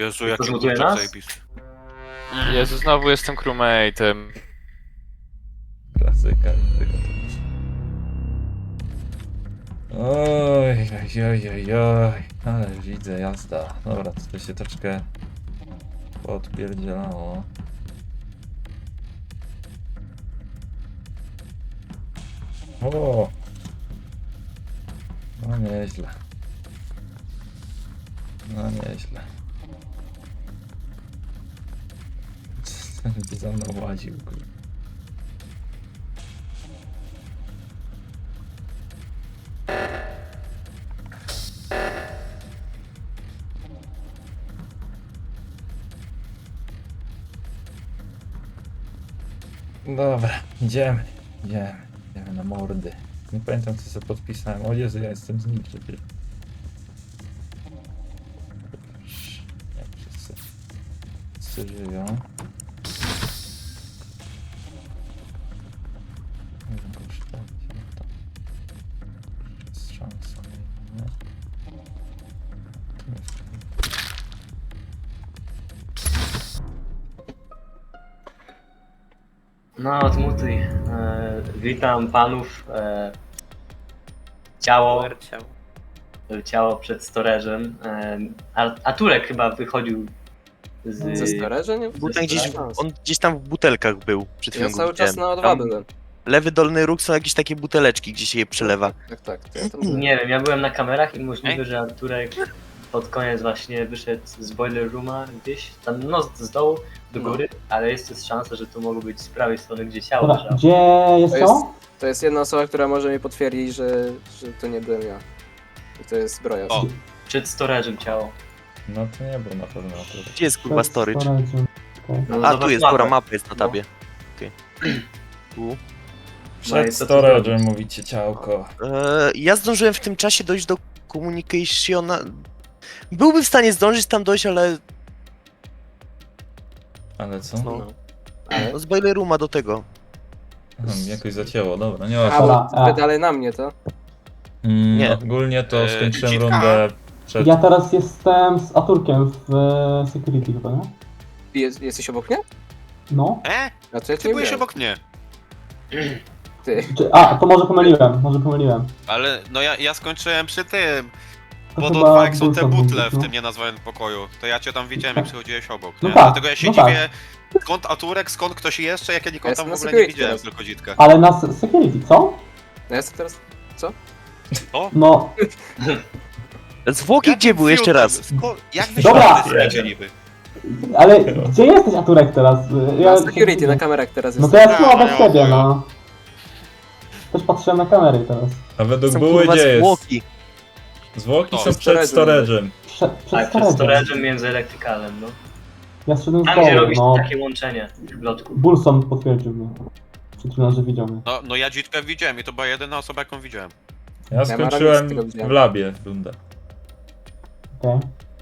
Jezu, jaki Porządkuje kurczak nas? zajebisty. Jezu, znowu jestem crewmate'em. Klasyka. Oj, oj, oj, oj, oj. Ale widzę, jazda. Dobra, to się troszkę podpierdzielało. O! No nieźle. No nieźle. Ten by za mną łaził, kurde. Dobra, idziemy na mordy. Nie pamiętam co sobie podpisałem. O Jezu, ja jestem z nim przecież. Nie, wszyscy żyją. Nie wiem, kosztować, no to jest szansa, nie? Tu jest. No, odmutuj. Witam panów. Ciało przed storage'em. A Turek chyba wychodził Ze z... storage'a nie? Butek on gdzieś tam w butelkach był przed chwilą. Ja cały go czas widziałem. na O2 Tam byłem. Lewy dolny róg są jakieś takie buteleczki, gdzie się je przelewa. Tak, to ja tam byłem. Nie wiem, ja byłem na kamerach i możliwe, że Turek pod koniec właśnie wyszedł z boiler rooma gdzieś tam, no z dołu do góry, ale jest też szansa, że to mogło być z prawej strony, gdzie ciało Dobra, leżało. gdzie jest To jest, to? to jest jedna osoba, która może mi potwierdzić, że to nie byłem ja. I to jest zbroja. O. Przed storage'em ciało. No to nie był na pewno to. Gdzie jest kurwa storage? Storage'em. Okej. No, A, zobacz tu jest, mapę. pora mapa jest na tabie. Okej. Tu. Przed i co tu storage'em zrobić? mówicie ciałko. Ja zdążyłem w tym czasie dojść do communicationa. Byłbym w stanie zdążyć tam dojść, ale Ale co? no, No. Ale... no z boiler rooma do tego. Jakoś zacięło, dobra, nie A, ma. Dobra, bo wy dalej na mnie, to? Nie. Ogólnie to skończyłem Citka. rundę przed... Ja teraz jestem z Aturkiem w security chyba, nie? Jesteś obok mnie? No. A to ja cię Ty nie byłeś byłem. obok mnie. Ty. A, to może pomyliłem. Ale no ja skończyłem przy tym. To Pod chyba O2 jak są te Wilson butle mówił, w no. tym nienazwanym pokoju, to ja cię tam widziałem jak przychodziłeś obok, No nie? tak, Dlatego ja się no tak. dziwię, skąd Aturek, skąd ktoś jeszcze, jak ja nikogo Ja tam w jestem ogóle na nie security widziałem, teraz. tylko dzitka. Ale na security, co? No ja jestem teraz... No, Zwłoki gdzie były jeszcze raz? Jak wy Dobra. się niby? ale gdzie jesteś Aturek teraz? Na security, na kamerach teraz No jest. to ja jestem No, obok no, ciebie, no. no. Też patrzyłem na kamery teraz. A według Są były kurwa gdzie jest? zwłoki. Zwłoki O, są przed storage'em. Przed Tak, przed storage'em. storage'em między elektrykalem, no. Ja szedłem z Tam, gdzie dołu, robisz no. takie łączenie w lotku. Bulson potwierdził mnie. Przed chwilą, że widział mnie. No ja dzitkę widziałem i to była jedyna osoba jaką widziałem. Ja Maramis skończyłem tego widziałem. w labie rundę. Okej.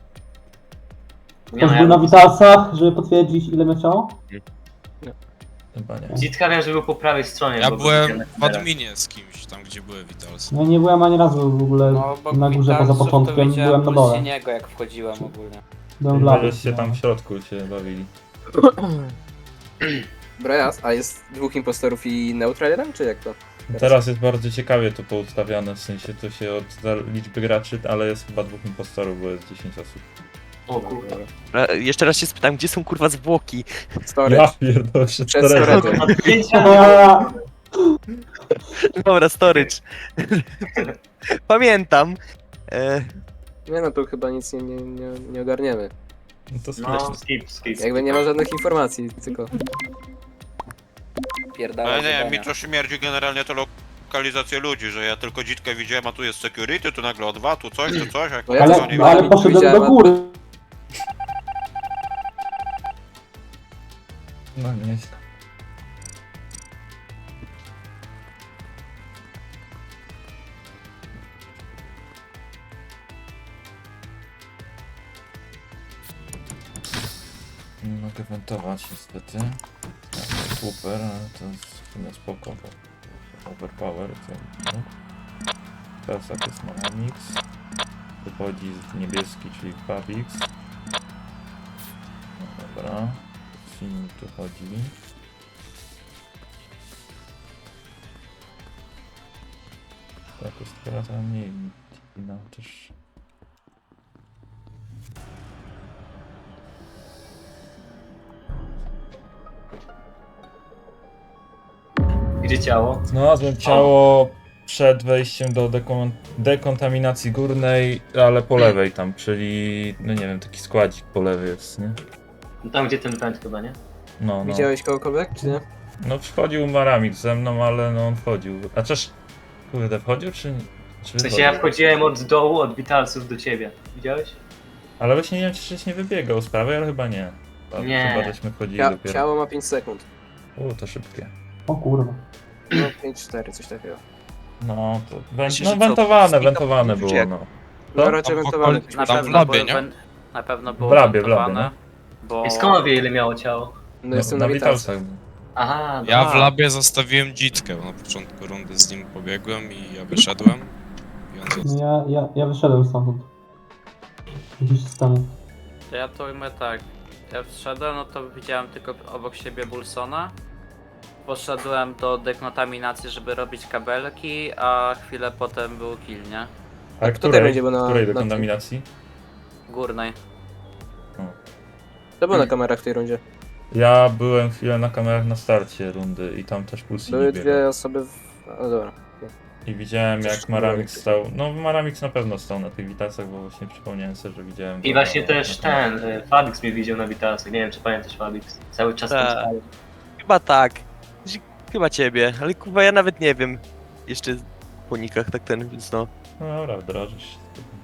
Nie, Ktoś no, był na ja... Witalsach, żeby potwierdzić ile miał ciało? Chyba nie. Dzitka wiem, że był po prawej stronie. Ja bo go byłem widziałem na w kamerach. adminie z kimś, tam gdzie były Witalsy. No nie byłem ani razu w ogóle No, bo na górze poza początkiem, byłem na dole. niego jak wchodziłem ogólnie. Byłem w labie. Żeście tam w środku się bawili. Brojas, a jest dwóch impostorów i neutralierem, czy jak to? Teraz jest bardzo ciekawie to poustawiane, w sensie to się od liczby graczy, ale jest chyba 2 impostorów, bo jest 10 osób. O kurwa. Jeszcze raz się spytam, gdzie są kurwa zwłoki? Storage. Ja pierdolę, przed Przed storage'em. storage'em. Od zdjęcia. Dobra, storage. Pamiętam. Nie no, tu chyba nic nie ogarniemy. No to No, skuteczne. skip. Jakby nie ma żadnych informacji, tylko... Pierdala Ale nie, zadania. mi to śmierdzi generalnie to lokalizację ludzi, że ja tylko dzitkę widziałem, a tu jest security, tu nagle O2, tu coś, jak No ja Ale, to nie ale wiem. poszedłem Widziałem, do a- góry. No nieźle. Nie mogę wentować niestety. Super, ale to jest w sumie spoko, bo overpower co? No. Teraz jak jest Malamix. Wychodzi z niebieski, czyli Pavix. Dobra. Film tu chodzi. Tak, jest teraz mniej no też. Gdzie ciało? Znalazłem ciało przed wejściem do dekontaminacji górnej, ale po lewej tam, czyli no nie wiem, taki składzik po lewej jest, nie? No tam gdzie ten węd chyba, nie? No. Widziałeś kogokolwiek, czy nie? No wchodził Maramik ze mną, ale no on wchodził. A czyż, kurde, wchodził czy W sensie wychodził? ja wchodziłem od dołu, od Witalsów do ciebie. Widziałeś? Ale właśnie nie wiem, czy nie wybiegał z prawej, ale chyba nie. Nie. Chyba żeśmy wchodzili dopiero. Ciało ma 5 sekund. To szybkie. O kurwa. No 5-4, coś takiego. No to Myślę, że co, wentowane czy było, jak? no. No raczej Tam wentowany. w Na Tam w pewno labie, było, nie? na pewno było W labie, wentowane, bo... I skąd wie ile miało ciało? No jestem na Witalsach. Aha, Ja dobra. w labie zostawiłem dzitkę, bo na początku rundy z nim pobiegłem i ja wyszedłem. I on został. No ja wyszedłem stamtąd. Gdzieś z temu. To ja to ujmę tak. Ja wszedłem, no to widziałem tylko obok siebie Bulsona. Poszedłem do dekontaminacji, żeby robić kabelki, a chwilę potem był kill, nie? A kto tutaj będzie, bo na- której na- dekontaminacji? Górnej. To było na kamerach w tej rundzie. Ja byłem chwilę na kamerach na starcie rundy i tam też Pulsi Były nie biegał. dwie osoby w... No dobra. I widziałem Coś jak Maramik stał, no Maramik na pewno stał na tych witalcach, bo właśnie przypomniałem sobie, że widziałem I go właśnie na- też na- ten, Fabix mnie widział na Witalsach. Nie wiem czy pamiętasz Fabix. Cały czas tam Tak. stał. Chyba tak. Chyba ciebie, ale kurwa ja nawet nie wiem. Jeszcze po nikach tak ten, więc no. No dobra, wdrażasz się.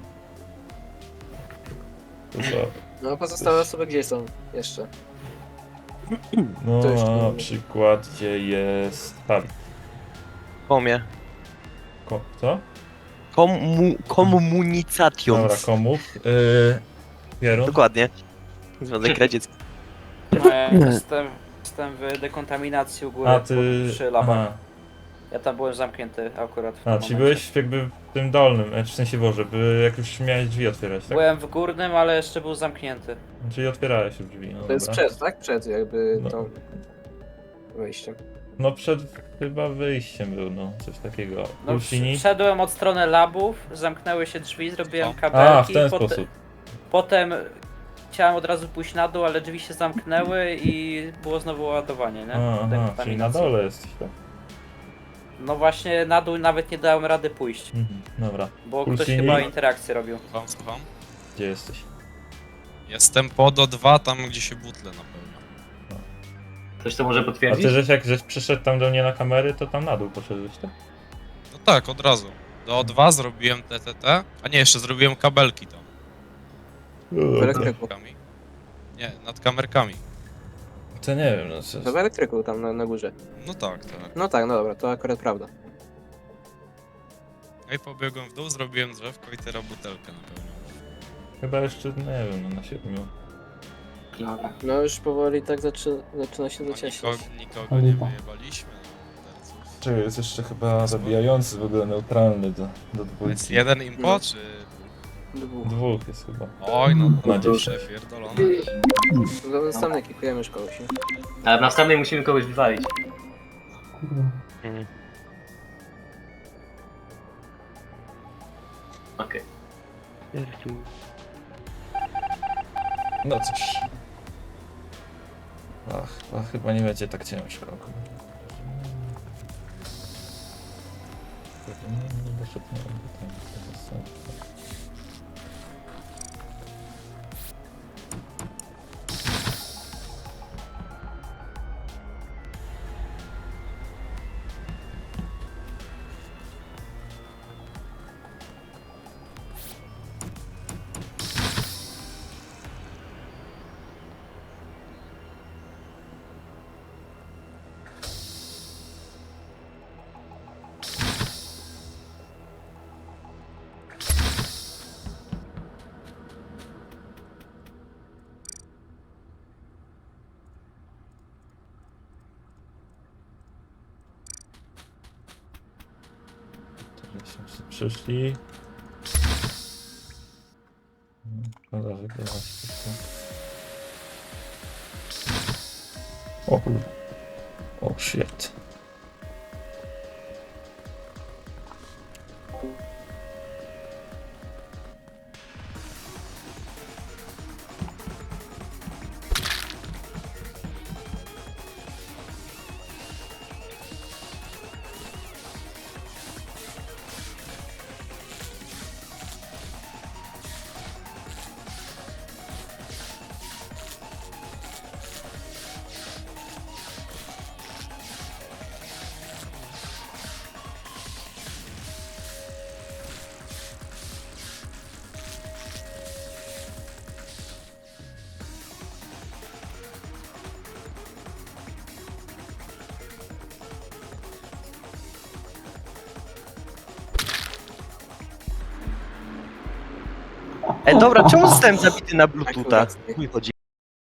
To co? No pozostałe osoby gdzie są jeszcze? No To jeszcze na nie wiem. przykład gdzie jest Fabik. Komie. Co? Komunications. Dobra, komów. Pierun? Dokładnie. Związek Radziecki. No, ja jestem w dekontaminacji u góry, A ty... przy labach. Aha. Ja tam byłem zamknięty akurat w tym A, czyli momencie. byłeś jakby w tym dolnym, w sensie Boże, jak już miałeś drzwi otwierać, tak? Byłem w górnym, ale jeszcze był zamknięty. Czyli otwierałeś już drzwi, no To jest dobra. przed, tak? Przed jakby No. tą... wejściem. No przed chyba wyjściem był, no, coś takiego. No, Pulsini? wszedłem od strony labów, zamknęły się drzwi, zrobiłem O. kabelki. A, w ten sposób. Potem chciałem od razu pójść na dół, ale drzwi się zamknęły i było znowu ładowanie, nie? Aha, czyli na Dekontaminacji. dole jesteś, tak? No właśnie na dół nawet nie dałem rady pójść, Dobra, bo Pulsini? ktoś chyba interakcję robił. Słucham? gdzie jesteś? Jestem pod O2, tam gdzie się butle na pewno. Ktoś to może A potwierdzić? ty żeś przyszedł tam do mnie na kamery, to tam na dół poszedłeś, tak? No tak, od razu. Do O2 zrobiłem TTT, a nie, jeszcze zrobiłem kabelki tam. W elektryku. Kamerkami. Nie, nad kamerkami. To nie wiem, no co... To w elektryku tam na górze. No tak, tak. No tak, no dobra, to akurat prawda. No i pobiegłem w dół, zrobiłem drzewko i teraz butelkę napełniłem. Chyba jeszcze, nie wiem, no na 7. No już powoli tak zaczyna się No, zacieśniać. nikogo nie wyjebaliśmy. No, terców. Czy jest jeszcze chyba zabijający w ogóle neutralny do To dwójki. jest jeden impo, No. czy... Dwóch. Dwóch jest chyba. Oj, no Na to dziesięć. przepierdolone. Do następnej kikujemy już kogoś, nie? Ale w następnej musimy kogoś wywalić. Kurwa. Okej. No cóż. Ach, chyba nie będzie tak ciężko. Nie doszedł na pytanie. Przyszli. Szkoda, że go właśnie. O kurwa. O shit. Dobra, czemu zostałem zabity na Bluetootha? Akurat. Chuj chodzi.